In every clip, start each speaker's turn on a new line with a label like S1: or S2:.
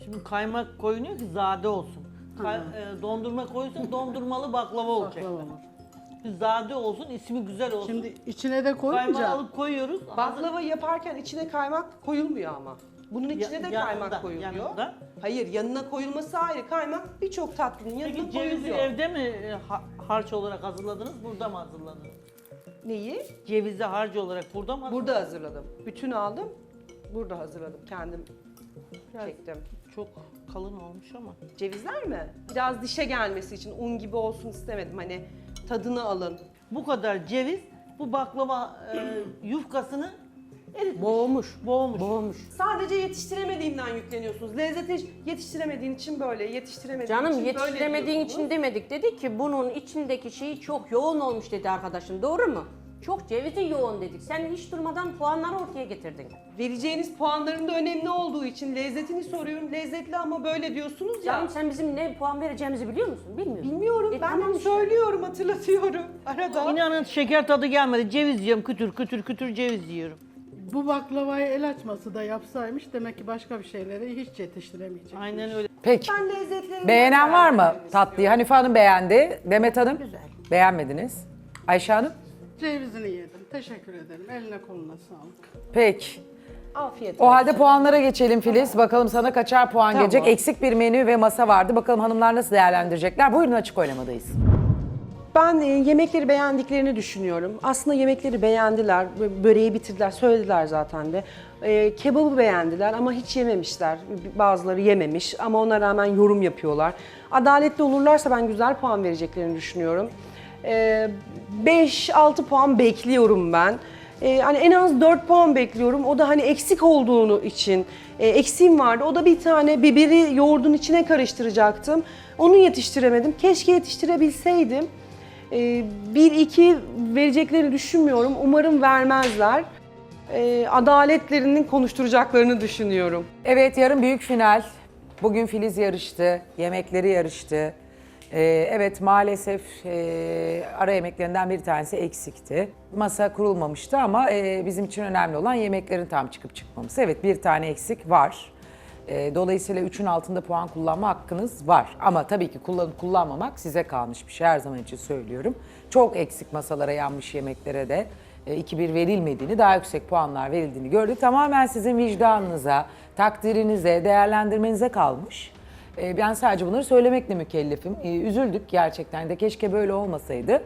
S1: Şimdi kaymak koyunuyor ki zade olsun. Dondurma koyuyorsun dondurmalı baklava olacak.
S2: Baklava olur.
S1: Zade olsun, ismi güzel olsun.
S2: Şimdi içine de
S1: Kaymağı
S2: koyunca
S1: alıp koyuyoruz.
S3: Baklava yaparken içine kaymak koyulmuyor ama. Bunun içine de
S1: yanında,
S3: kaymak koyuluyor.
S1: yanında.
S3: Hayır, yanına koyulması ayrı. Kaymak birçok tatlının yanına
S1: Peki cevizi
S3: koyuluyor.
S1: evde mi harç olarak hazırladınız, burada mı hazırladınız?
S3: Neyi?
S1: Cevizi harcı olarak burada mı hazırladınız?
S3: Burada hazırladım. Bütün aldım. Burada hazırladım. Kendim çektim.
S1: Çok kalın olmuş ama.
S3: Cevizler mi? Biraz dişe gelmesi için un gibi olsun istemedim. Hani tadını alın.
S1: Bu kadar ceviz bu baklava yufkasını eritmiş.
S2: boğmuş.
S1: Boğmuş.
S3: Sadece yetiştiremediğimden yükleniyorsunuz. Lezzeti yetiştiremediğin için böyle, yetiştiremediğin
S4: Canım
S3: için böyle
S4: yetiştiremediğin
S3: diyorsunuz.
S4: için demedik. Dedi ki bunun içindeki şey çok yoğun olmuş dedi arkadaşım. Doğru mu? Çok cevizi yoğun dedik. Sen hiç durmadan puanları ortaya getirdin.
S3: Vereceğiniz puanların da önemli olduğu için lezzetini soruyorum. Lezzetli ama böyle diyorsunuz ya.
S4: Canım sen bizim ne puan vereceğimizi biliyor musun? Bilmiyorum.
S3: Bilmiyorum. Ben
S4: tamam işte.
S3: söylüyorum, hatırlatıyorum arada.
S1: İnanın şeker tadı gelmedi. Ceviz yiyorum, kütür kütür kütür ceviz yiyorum.
S2: Bu baklavayı el açması da yapsaymış demek ki başka bir şeyleri hiç yetiştiremeyecek.
S1: Aynen öyle.
S5: Peki.
S3: Ben lezzetlerini
S5: Beğenen var mı
S3: beğenmek
S5: tatlıyı?
S3: istiyorum.
S5: Hanife Hanım beğendi. Demet Hanım?
S4: Güzel.
S5: Beğenmediniz. Ayşe Hanım?
S2: Cevizini yedim. Teşekkür ederim. Eline koluna sağlık.
S5: Peki.
S3: Afiyet
S5: O
S3: olsun.
S5: halde puanlara geçelim Filiz. Bakalım sana kaçar puan
S3: Tamam.
S5: gelecek. Eksik bir menü ve masa vardı. Bakalım hanımlar nasıl değerlendirecekler. Buyurun, açık oylamadayız.
S3: Ben yemekleri beğendiklerini düşünüyorum. Aslında yemekleri beğendiler, böreği bitirdiler, söylediler zaten de. Kebabı beğendiler ama hiç yememişler. Bazıları yememiş ama ona rağmen yorum yapıyorlar. Adaletli olurlarsa ben güzel puan vereceklerini düşünüyorum. 5-6 puan bekliyorum ben. Hani en az 4 puan bekliyorum. O da hani eksik olduğunu için. Eksiğim vardı. O da bir tane biberi yoğurdun içine karıştıracaktım. Onu yetiştiremedim. Keşke yetiştirebilseydim. 1-2 vereceklerini düşünmüyorum. Umarım vermezler. Adaletlerinin konuşturacaklarını düşünüyorum.
S5: Evet, yarın büyük final. Bugün Filiz yarıştı. Yemekleri yarıştı. Evet, maalesef ara yemeklerinden bir tanesi eksikti. Masa kurulmamıştı ama bizim için önemli olan yemeklerin tam çıkıp çıkmaması. Evet, bir tane eksik var. Dolayısıyla 3'ün altında puan kullanma hakkınız var. Ama tabii ki kullanmamak size kalmış bir şey, her zaman için söylüyorum. Çok eksik masalara, yanmış yemeklere de 2-1 verilmediğini, daha yüksek puanlar verildiğini gördük. Tamamen sizin vicdanınıza, takdirinize, değerlendirmenize kalmış. Ben sadece bunları söylemekle mükellefim. Üzüldük gerçekten de, keşke böyle olmasaydı.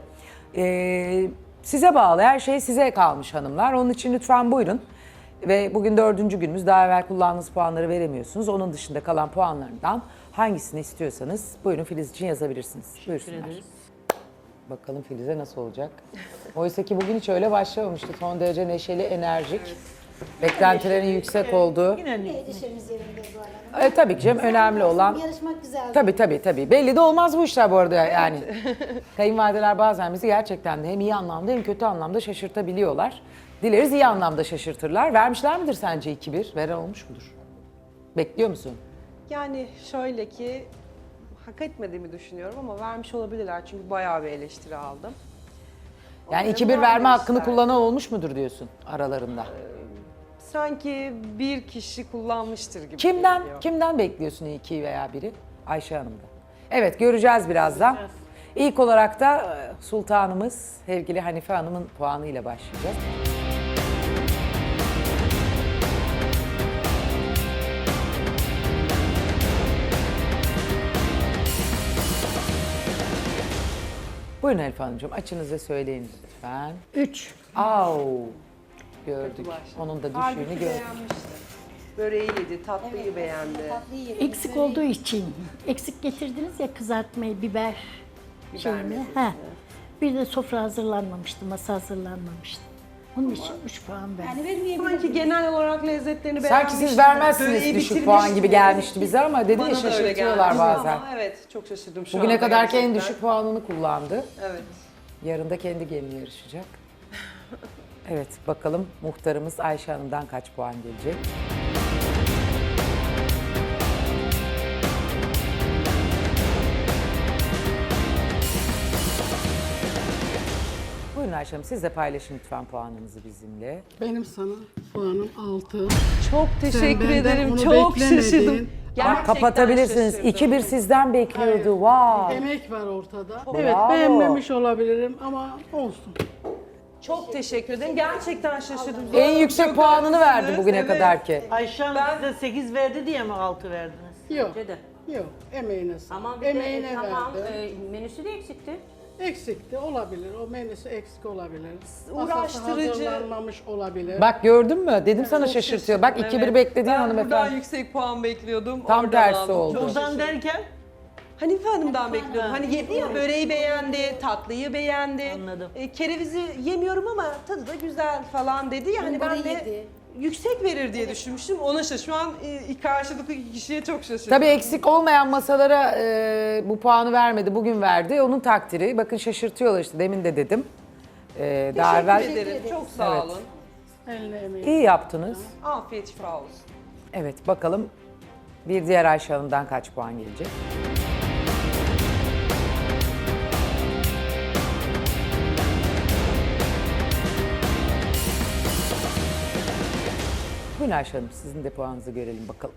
S5: Size bağlı, her şey size kalmış hanımlar. Onun için lütfen buyurun. Ve bugün 4. günümüz, daha evvel kullandığınız puanları veremiyorsunuz. Onun dışında kalan puanlarından hangisini istiyorsanız buyurun Filiz için yazabilirsiniz. Buyursunlar. Bakalım Filiz'e nasıl olacak? Oysa ki bugün hiç öyle başlamamıştı. Son derece neşeli, enerjik. Beklentilerin yüksek olduğu.
S1: Yine
S6: Neşemiz yerinde Zuhal Hanım.
S5: Tabii ki canım, önemli olan.
S6: Yarışmak güzel.
S5: Tabii. Belli de olmaz bu işler bu arada yani. Kayınvalideler bazen bizi gerçekten de hem iyi anlamda hem kötü anlamda şaşırtabiliyorlar. Dileriz iyi anlamda şaşırtırlar. Vermişler midir sence 2-1? Veren olmuş mudur? Bekliyor musun?
S3: Yani şöyle ki hak etmediğimi düşünüyorum ama vermiş olabilirler çünkü bayağı bir eleştiri aldım.
S5: Yani
S3: Umarım
S5: 2-1 verme hakkını
S3: vermemişler.
S5: kullanan olmuş mudur diyorsun aralarında?
S3: Sanki bir kişi kullanmıştır gibi geliyor.
S5: Kimden bekliyorsun 2 veya 1'i? Ayşe Hanım'da. Evet, göreceğiz birazdan. İlk olarak da sultanımız sevgili Hanife Hanım'ın puanıyla başlayacağız. Buyurun Hanife Hanımcığım, açınızı söyleyin lütfen.
S6: 3.
S5: Au, gördük.
S3: başladı.
S5: Onun da
S3: Halbuki
S5: düşüğünü gördük.
S3: beğenmişti. Böreği yedi, tatlıyı beğendi.
S6: Eksik olduğu için. Eksik getirdiniz ya kızartmayı, biber şeyini.
S3: meselesini.
S6: Ha. Bir de sofra hazırlanmamıştı, masa hazırlanmamıştı. Onun için 3 puan verdim.
S3: Sanki genel olarak lezzetlerini
S5: Sanki
S3: beğenmişti.
S5: siz vermezsiniz
S3: Böreği
S5: düşük puan gibi
S3: bitirmişti.
S5: gelmişti bize ama dedi
S3: Bana
S5: ya,
S3: da öyle
S5: şaşırtıyorlar
S3: geldi.
S5: bazen.
S3: Ama evet, çok şaşırdım şu
S5: Bugüne
S3: anda
S5: kadarki en
S3: gerçekten.
S5: düşük puanını kullandı.
S3: Evet.
S5: Yarın da kendi geline yarışacak. Evet, bakalım muhtarımız Ayşe Hanım'dan kaç puan gelecek? Buyurun Ayşe Hanım siz de paylaşın lütfen puanınızı bizimle.
S2: Benim sana puanım 6.
S3: Çok teşekkür
S2: benden
S3: ederim.
S2: onu
S3: Çok
S2: beklemedin.
S3: şaşırdım.
S5: Bak
S3: Gerçekten
S5: kapatabilirsiniz.
S3: şaşırdım.
S5: 2-1 sizden bekliyordu. Vay.
S2: Emek var ortada.
S5: Bravo.
S2: Evet beğenmemiş olabilirim ama olsun.
S3: Çok teşekkür ederim. Gerçekten şaşırdım.
S5: En yüksek puanını verdi bugüne
S3: Evet.
S5: kadar ki.
S1: Ayşe Hanım size 8 verdi diye mi 6 verdiniz?
S2: Yok.
S4: Bence de.
S2: Yok. Emeğine sağlık.
S4: Ama bir de
S2: Emeğine
S4: tamam
S2: verdi.
S4: menüsü de eksikti.
S2: Eksikti olabilir. O menüsü eksik olabilir.
S3: Uğraştırıcı.
S2: Masası hazırlanmamış olabilir.
S5: Bak gördün mü? Dedim sana
S3: Çok
S5: şaşırtıyor. Bak
S3: şaşırdım,
S5: 2-1
S3: evet.
S5: beklediğin
S3: Ben buradan
S5: hanımefendi.
S3: yüksek puan bekliyordum.
S5: Tam
S3: oradan
S5: tersi
S3: aldım.
S5: oldu.
S3: Çok
S1: Buradan
S3: şaşırdım.
S1: derken
S3: Hanife Hanım'dan bekliyordum. Hani yedi ya böreği beğendi, tatlıyı beğendi.
S1: Anladım.
S3: Kerevizi yemiyorum ama tadı da güzel falan dedi ya. Hani ben de yüksek verir diye düşünmüştüm. Ona şu an karşılıklı iki kişiye çok şaşırdım.
S5: Tabii eksik olmayan masalara bu puanı vermedi. Bugün verdi. Onun takdiri. Bakın şaşırtıyorlar işte. Demin de dedim. Daha evvel
S3: Teşekkür ederim. Çok sağ
S5: Evet.
S3: olun.
S2: Eline emeğine.
S5: iyi yaptınız.
S3: Afiyet şifa olsun.
S5: Evet bakalım bir diğer Ayşe Hanım'dan kaç puan gelecek? Buyurun Ayşe Hanım sizin de puanınızı görelim bakalım.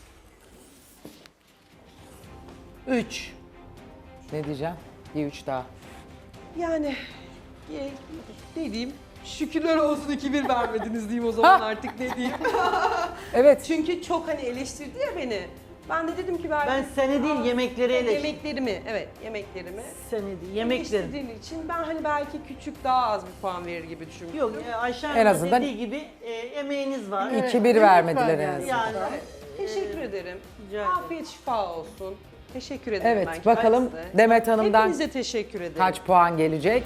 S1: 3.
S5: Ne diyeceğim? Bir 3 daha.
S3: Yani ne diyeyim? Şükürler olsun 2-1 vermediniz diyeyim o zaman artık ne diyeyim.
S5: Evet.
S3: Çünkü çok hani eleştirdi ya beni. Ben de dedim ki
S1: Ben seni değil yemekleri eleştirdim.
S3: Yemeklerimi, evet yemeklerimi.
S1: Seni değil yemekleri.
S3: Eleştirdiğin için ben hani belki küçük daha az bir puan verir gibi düşünmüştüm.
S1: Yok Ayşe
S5: En
S1: Hanım'ın
S5: azından-
S1: dediği gibi emeğiniz var.
S5: 2-1 vermediler en
S2: yani.
S5: azından.
S1: Yani
S3: Teşekkür ederim.
S1: rica ederim.
S3: Afiyet şifa olsun. Teşekkür ederim
S5: Evet
S3: ben
S5: bakalım
S3: kendisine.
S5: Demet Hanım'dan
S3: Hepinize teşekkür ederim.
S5: kaç puan gelecek?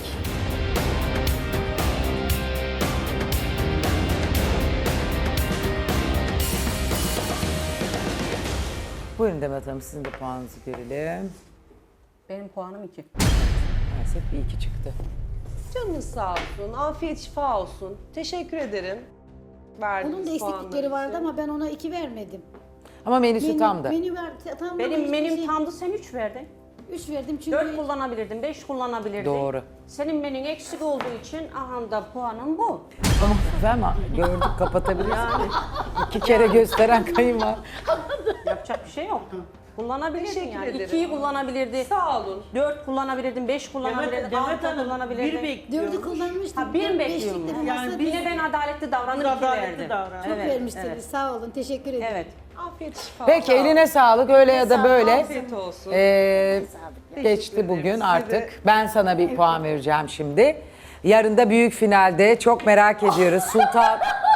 S5: Buyurun Demet Hanım sizin de puanınızı görelim.
S4: Benim puanım 2.
S5: Maalesef bir 2 çıktı.
S3: Canınız sağ olsun. Afiyet şifa olsun. Teşekkür ederim. Verdiğiniz
S6: Onun da eksiklikleri
S3: puanlar
S6: vardı
S3: için.
S6: ama ben ona 2 vermedim.
S5: Ama menüsü tamdı.
S6: Menü var, tam
S4: Benim menüm tamdı, sen 3 verdin.
S6: 3 verdim çünkü
S4: 4 kullanabilirdin, 5 kullanabilirdin.
S5: Doğru.
S4: Senin menün eksik olduğu için aha da puanın bu.
S5: Ama gördük kapatabilirsin. 2 kere gösteren kayınvar.
S4: Yapacak bir şey yok. Kullanabilirdin
S3: Teşekkür
S4: yani.
S3: ederim.
S4: 2'yi kullanabilirdi.
S3: Sağ olun.
S4: 4 kullanabilirdin, 5 kullanabilirdin,
S1: Demet
S4: 6
S1: Hanım
S4: kullanabilirdin.
S1: 1 bekliyor.
S6: 4'ü kullanmıştım.
S4: Ha, bir
S6: Dört,
S4: bekliyor
S6: beşlik
S4: mu?
S6: de
S1: Yani
S6: masa
S1: bir
S4: Yine ben adaletli davranır,
S1: Biz
S4: 2
S1: adaletli
S4: verdim.
S1: davran.
S6: çok
S4: Evet,
S6: vermiştiniz.
S4: evet.
S6: Sağ olun. Teşekkür ederim.
S4: Evet.
S3: Afiyet şifa.
S5: Peki
S3: Sağ olun.
S5: eline sağlık öyle ya da böyle.
S3: Afiyet olsun.
S5: Geçti
S3: ederim.
S5: bugün
S3: Size
S5: artık.
S3: de-
S5: Ben sana bir puan vereceğim şimdi. Yarın da büyük finalde çok merak ediyoruz. Sultan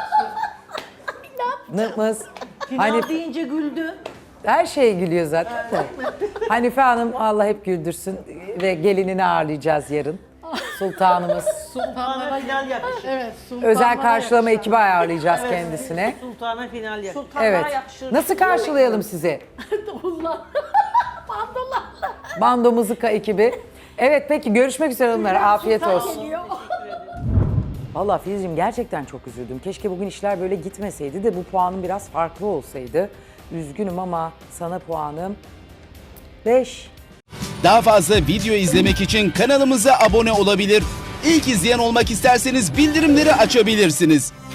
S5: Nımız.
S1: Final deyince güldü.
S5: Her şeye gülüyor zaten de. Hanife Hanım Allah hep güldürsün ve gelinini ağırlayacağız yarın. Sultanımız.
S1: Sultana final yakışır.
S2: Evet. sultanlara
S5: Özel karşılama
S2: yakışan.
S5: ekibi ayarlayacağız kendisine.
S1: Sultana final yakışır.
S4: Sultanlara
S5: Evet.
S4: yakışır.
S5: Nasıl karşılayalım sizi? Bando Mızıka ekibi. Evet peki görüşmek üzere hanımlar. Afiyet olsun. Vallahi Filizciğim gerçekten çok üzüldüm. Keşke bugün işler böyle gitmeseydi de bu puanım biraz farklı olsaydı. Üzgünüm ama sana puanım 5.
S7: Daha fazla video izlemek için kanalımıza abone olabilir. İlk izleyen olmak isterseniz bildirimleri açabilirsiniz.